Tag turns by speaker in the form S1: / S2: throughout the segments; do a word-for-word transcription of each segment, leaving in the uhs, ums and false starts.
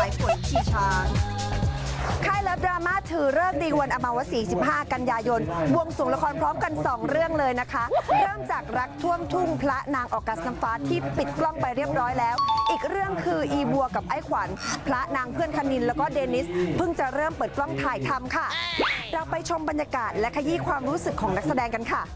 S1: ายฝนชีช้างค่ายเลิฟดราม่าถือเลิกษ์ดีวันอมาวสีสิบห้ากันยายนบวงสรวงละครพร้อมกันสองเรื่องเลยนะคะ เริ่มจากรักท่วมทุ่งพระนางออกัสน้ำฟ้าที่ปิดกล้องไปเรียบร้อยแล้ว อีกเรื่องคืออีบัวกับไอ้ขวัญพระนางเพื่อนคณินแล้วก็เดนิสเพิ่งจะเริ่มเปิดกล้องถ่ายทำค่ะ เราไปชมบรรยากาศและขยี้ความรู้สึกของนักแสดงกันค่ะ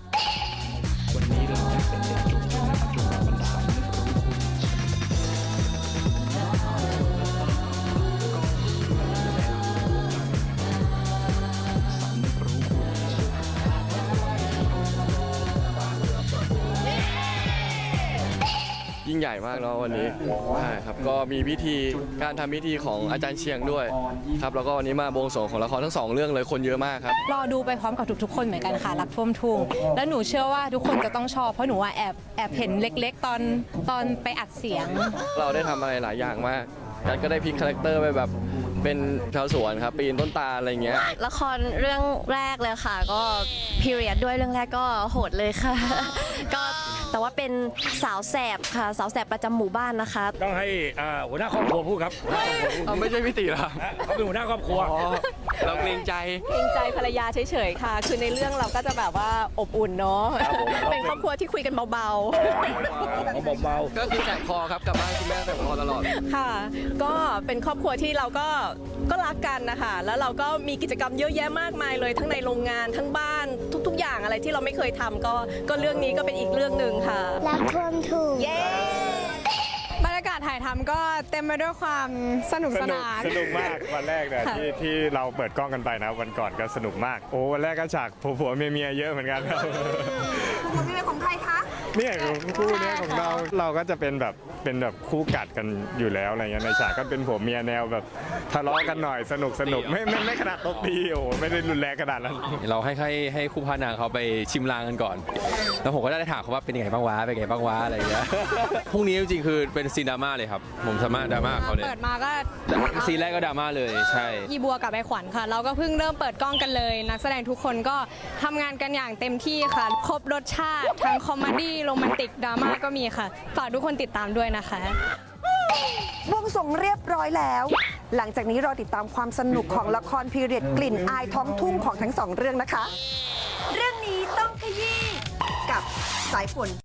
S2: ยิ่งใหญ่มากเนาะวันนี้ใช่ครับก็มีพิธีการทำพิธีของอาจารย์เชียงด้วยครับแล้วก็วันนี้มาบวงสรวงของละครทั้งสองเรื่องเลยคนเยอะมากครับ
S3: รอดูไปพร้อมกับทุกๆคนเหมือนกันค่ะรักท่วมทุ่งแล้วหนูเชื่อว่าทุกคนจะต้องชอบเพราะหนูว่าแอบแอบเห็นเล็กๆ ตอนตอนไปอัดเสียง
S2: เราได้ทำอะไรหลายอย่างมากกันก็ได้พลิกคาแรคเตอร์ไปแบบเป็นชาวสวนครับปีนต้นตาลอะไรเงี้ย
S4: ละครเรื่องแรกเลยค่ะก็พีเรียดด้วยเรื่องแรกก็โหดเลยค่ะ ก็แต่ว่าเป็นสาวแสบค่ะสาวแสบประจำหมู่บ้านนะคะ
S5: ต้องให้หัวหน้าครอบครัวพูดครับ
S2: เอาไม่ใช่พี่ตีหรอ
S5: เขาเป็นหัวหน้าครอบครัว
S2: เราเกรงใจ
S6: เกรงใจภรรยาเฉยๆค่ะคือในเรื่องเราก็จะแบบว่าอบอุ่นเนาะเป็นครอบครัวที่คุยกันเบาๆเ
S5: บา
S2: ๆก็คือแสบคอครับกลับบ้านคุณแม่แสบคอตลอด
S6: ค่ะก็เป็นครอบครัวที่เราก็ก็รักกันนะคะแล้วเราก็มีกิจกรรมเยอะแยะมากมายเลยทั้งในโรงงานทั้งบ้านทุกๆอย่างอะไรที่เราไม่เคยทำก็ก็เรื่องนี้ก็เป็นอีกเรื่องหนึ่งค่ะ
S7: รักท่วมทุ่ง
S6: เย้บรรยากาศถ่ายทำก็เต็มไปด้วยความสนุกสนาน
S8: สนุกมากวันแรกเนี่ยที่ที่เราเปิดกล้องกันไปนะวันก่อนก็สนุกมากโอ้วันแรกก็ฉากผัวผัวเมียเมียเยอะเหมือนกันครับ
S1: ผัวเมียของใครคะ
S8: เนี่ยคู่นี้ของเราเราก็จะเป็นแบบเป็นแบบคู่กัดกันอยู่แล้วอะไรเงี้ยในฉากก็เป็นผัวเมียแนวแบบทะเลาะกันหน่อยสนุกสนุกไม่ไม่ไม่ขนาดตบตีโอ้ไม่ได้รุนแรงขนาดนั้น
S9: เราให้ให้ให้คู่พระนางเขาไปชิมลางกันก่อนแล้วผมก็ได้ถามเขาว่าเป็นยังไงบ้างวะเป็นยังไงบ้างวะอะไรอย่างเงี้ยพรุ่งนี้จริงๆคือเป็นซีนดราม่าเลยครับผมสามารถดราม่าเขาเลย
S6: เปิดมาก็
S9: ซีนแรกก็ดราม่าเลยใช่
S6: อีบัวกับไอขวัญค่ะเราก็เพิ่งเริ่มเปิดกล้องกันเลยนักแสดงทุกคนก็ทำงานกันอย่างเต็มที่ค่ะครบรสชาติทั้งคอมเมดี้โรแมนติกดราม่าก็มีค่ะฝากทุกคนติดตามด้วยนะคะ
S1: บวงสรวงเรียบร้อยแล้ว หลังจากนี้รอติดตามความสนุกของละครพีเรียดกลิ่นอายท้องทุ่งของทั้งสองเรื่องนะคะ เรื่องนี้ต้องขยี้กับสายฝน